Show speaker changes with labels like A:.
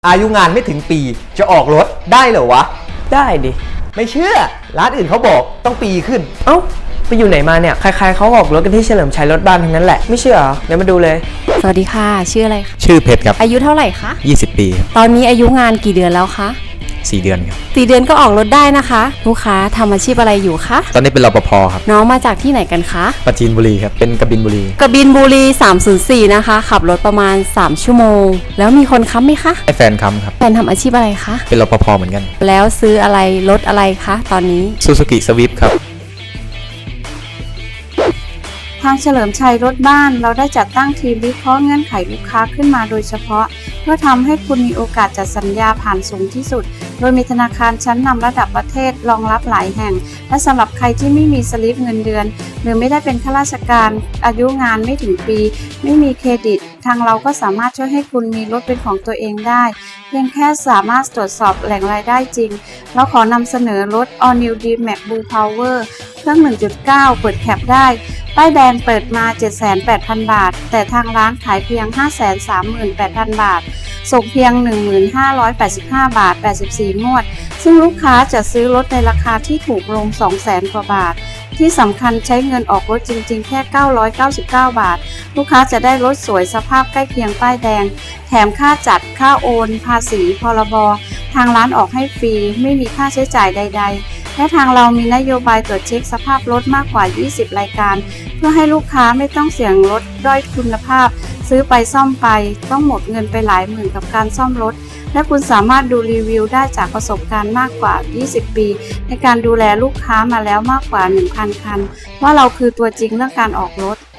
A: อายุงานไม่ถึงปีจะออกรถได้เหรอวะ
B: ได้ดิ
A: ไม่เชื่อร้านอื่นเขาบอกต้องปีขึ้น
B: เอ้าไปอยู่ไหนมาเนี่ยใครๆเขาออกรถกันที่เฉลิมชัยรถบ้านทั้งนั้นแหละไม่เชื่อเหรอเดี๋ยวมาดูเลย
C: สวัสดีค่ะชื่ออะไรคะ
D: ชื่อเพชรครับ
C: อายุเท่าไหร่คะ
D: 20 ปีครับ
C: ตอนนี้อายุงานกี่เดือนแล้วคะ
D: 4 เดือนครับ
C: 4 เดือนก็ออกรถได้นะคะลูกค้าทำอาชีพอะไรอยู่คะ
D: ตอนนี้เป็นรปภครับ
C: น้องมาจากที่ไหนกันคะ
D: ปราจีนบุรีครับเป็นกบินบุรี
C: 304นะคะขับรถประมาณ3ชั่วโมงแล้วมีคนค้ำไหมคะ
D: ให้แฟนค้ำครับ
C: แฟนทำอาชีพอะไรคะ
D: เป็นรปภเหมือนกัน
C: แล้วซื้ออะไรรถอะไรคะตอนนี้
D: ซูซูกิสวิฟครับ
E: ทางเฉลิมชัยรถบ้านเราได้จัดตั้งทีมวิเคราะห์เงื่อนไขลูกค้าขึ้นมาโดยเฉพาะเพื่อทำให้คุณมีโอกาสจัดสัญญาผ่านสูงที่สุดโดยมีธนาคารชั้นนำระดับประเทศรองรับหลายแห่งและสำหรับใครที่ไม่มีสลิปเงินเดือนหรือไม่ได้เป็นข้าราชการอายุงานไม่ถึงปีไม่มีเครดิตทางเราก็สามารถช่วยให้คุณมีรถเป็นของตัวเองได้เพียงแค่สามารถตรวจสอบแหล่งรายได้จริงเราขอนำเสนอรถ All New D-Max Blue Power เครื่อง 1.9 เปิดแคปได้ป้ายแดงเปิดมา 78,000 บาทแต่ทางร้านขายเพียง 538,000 บาทส่งเพียง 1585 บาท84งวดซึ่งลูกค้าจะซื้อรถในราคาที่ถูกลง 200,000 กว่าบาทที่สำคัญใช้เงินออกรถจริงๆแค่999 บาทลูกค้าจะได้รถสวยสภาพใกล้เคียงป้ายแดงแถมค่าจัดค่าโอนภาษีพรบทางร้านออกให้ฟรีไม่มีค่าใช้จ่ายใดๆและทางเรามีนโยบายตรวจเช็คสภาพรถมากกว่า20รายการเพื่อให้ลูกค้าไม่ต้องเสี่ยงรถด้อยคุณภาพซื้อไปซ่อมไปต้องหมดเงินไปหลายหมื่นกับการซ่อมรถและคุณสามารถดูรีวิวได้จากประสบการณ์มากกว่า20ปีในการดูแลลูกค้ามาแล้วมากกว่า 1,000 คันว่าเราคือตัวจริงเรื่องการออกรถ